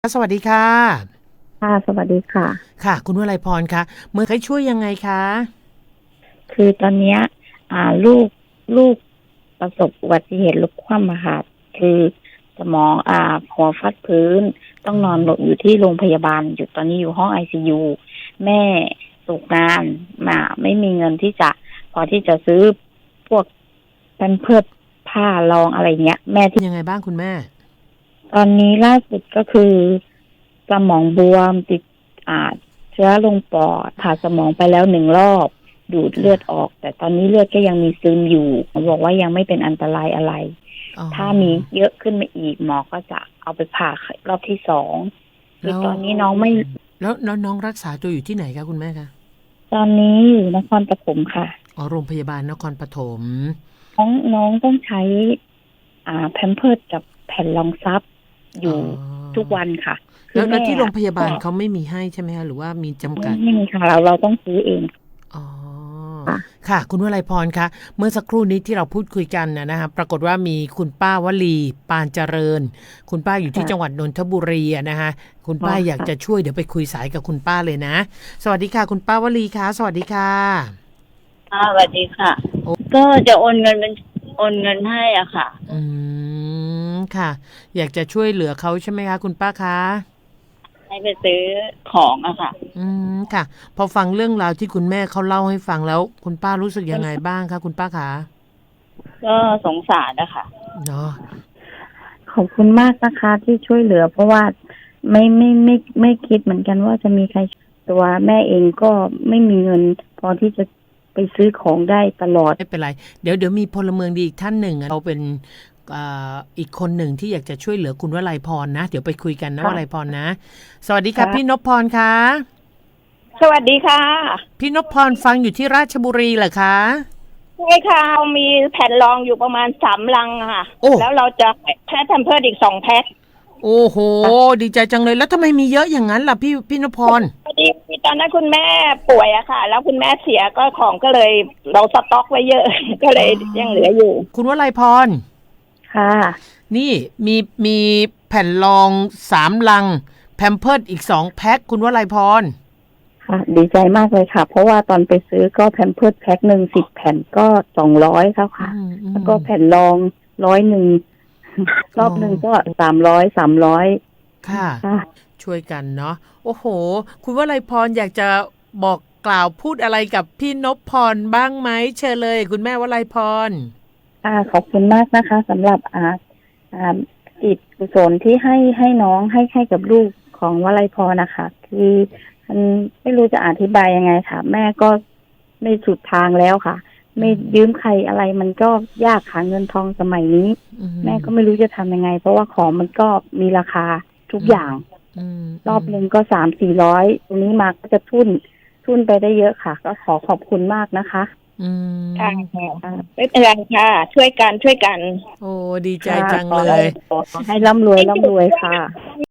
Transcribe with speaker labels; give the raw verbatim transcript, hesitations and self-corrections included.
Speaker 1: สวัสดีค่ะ
Speaker 2: ค่ะสวัสดีค่ะ
Speaker 1: ค่ะคุณวลัยพรคะเมื่อให้ช่วยยังไงคะ
Speaker 2: คือตอนเนี้ยอ่าลูกลูกประสบอุบัติเหตุรถคว่ำอะค่ะคือสมองอ่าหัวฟาดพื้นต้องนอนหลบอยู่ที่โรงพยาบาลอยู่ตอนนี้อยู่ห้องไอซียูแม่ตกงานมาไม่มีเงินที่จะพอที่จะซื้อพวกแพมเพิร์สผ้ารองอะไรเงี้ยแม่ที่
Speaker 1: ยังไงบ้างคุณแม่
Speaker 2: ตอนนี้ล่าสุดก็คือสมองบวมติดอ่าเชื้อลงปอดผ่าสมองไปแล้วหนึ่งรอบดูดเลือดออกแต่ตอนนี้เลือดก็ยังมีซึมอยู่หมอบอกว่ายังไม่เป็นอันตรายอะไรถ้ามีเยอะขึ้นมาอีกหมอก็จะเอาไปผ่ารอบที่สองคือตอนนี้น้องไม่
Speaker 1: แล้วแล้วน้องรักษาตัวอยู่ที่ไหนคะคุณแม่คะ
Speaker 2: ตอนนี้อยู่นครปฐมค่ะ
Speaker 1: อ๋อโรงพยาบาลนครปฐม
Speaker 2: น้องน้องต้องใช้อ่าแพมเพิร์สกับแผ่นรองซับอยู่ทุกวันค่ะ
Speaker 1: แล้วแล้วที่โรงพยาบาลเขาไม่มีให้ใช่ไหมคะหรือว่ามีจำกัด
Speaker 2: ไม่มีค่ะเราเราต้องซื้อเอง
Speaker 1: อ๋อค่ะคุณวลัยพรคะเมื่อสักครู่นี้ที่เราพูดคุยกันนะนะคะปรากฏว่ามีคุณป้าวลีปานเจริญคุณป้าอยู่ที่จังหวัดนนทบุรีนะคะคุณป้าอยากจะช่วยเดี๋ยวไปคุยสายกับคุณป้าเลยนะสวัสดีค่ะคุณป้าวลีค่ะสวัสดีค่ะ
Speaker 3: อ่าสวัสดีค่ะก็จะโอนเงินเป็นโอนเงินให้อ่ะค่ะ
Speaker 1: อืมค่ะอยากจะช่วยเหลือเขาใช่ไหมคะคุณป้าคะ
Speaker 3: ให้ไปซื้อของอะค่ะ
Speaker 1: อืมค่ะพอฟังเรื่องราวที่คุณแม่เขาเล่าให้ฟังแล้วคุณป้ารู้สึกยังไงบ้างคะคุณป้าคะ
Speaker 3: ก็สงสารนะคะ
Speaker 1: เนาะ
Speaker 2: ขอบคุณมากนะคะที่ช่วยเหลือเพราะว่าไม่ไม่ไม่ไม่คิดเหมือนกันว่าจะมีใครตัวแม่เองก็ไม่มีเงินพอที่จะไปซื้อของได้ตลอด
Speaker 1: ไม่เป็นไรเดี๋ยวเดี๋ยวมีพลเมืองดีอีกท่านหนึ่งเราเป็นอีกคนหนึ่งที่อยากจะช่วยเหลือคุณวลัยพรนะเดี๋ยวไปคุยกันนะวลัยพรนะสวัสดีค่ะพี่นพพรคะ
Speaker 3: สวัสดีค่ะ
Speaker 1: พี่นพพรฟังอยู่ที่ราชบุรีเหรอคะ
Speaker 3: ใช่ค่ะมีแผ่นรองอยู่ประมาณสามลังค่ะแล้วเราจะแพ็คแพมเพิร์สอีกสองแพ็ค
Speaker 1: โอ้โหดีใจจังเลยแล้วทำไมมีเยอะอย่างนั้นล่ะพี่พี่นพพร
Speaker 3: พอดีตอนนั้นคุณแม่ป่วยอะค่ะแล้วคุณแม่เสียก็ของก็เลยเราสต็อกไว้เยอะก็เลยยังเหลืออยู่
Speaker 1: คุณวลัยพร
Speaker 2: ค่ะ
Speaker 1: นี่มีมีแผ่นรองสามลังแพมเพิร์สอีกสองแพ็คคุณวลัยพร
Speaker 2: ค่ะดีใจมากเลยค่ะเพราะว่าตอนไปซื้อก็แพมเพิร์สแพ็คหนึ่งสิบแผ่นก็สองร้อยครับค่ะแล้วก็แผ่นรองร้อยหนึ่งรอบหนึ่งก็สามร้อยสามร้อย
Speaker 1: ค่ะช่วยกันเนาะโอ้โหคุณวลัยพรอยากจะบอกกล่าวพูดอะไรกับพี่นพพรบ้างไหมเชิญเลยคุณแม่วลัยพร
Speaker 2: อ่าขอบคุณมากนะคะสำหรับอ่าอ่าจิตกุศลที่ให้ให้น้องให้ให้กับลูกของวลัยพรนะคะคือมันไม่รู้จะอธิบายยังไงค่ะแม่ก็ไม่สุดทางแล้วค่ะไม่ยืมใครอะไรมันก็ยากหาเงินทองสมัยนี้แม่ก็ไม่รู้จะทำยังไงเพราะว่าของมันก็มีราคาทุกอย่างรอบหนึ่งก็สามสี่ร้อยตรงนี้มาก็จะทุนทุนไปได้เยอะค่ะก็ขอขอบคุณมากนะคะ
Speaker 3: ค่ะไม่เป็นไรค่ะช่วยกันช่วยกัน
Speaker 1: โอ้ดีใจจังเลย
Speaker 2: ขอให้ร่ำรวยร่ำรวยค่ะ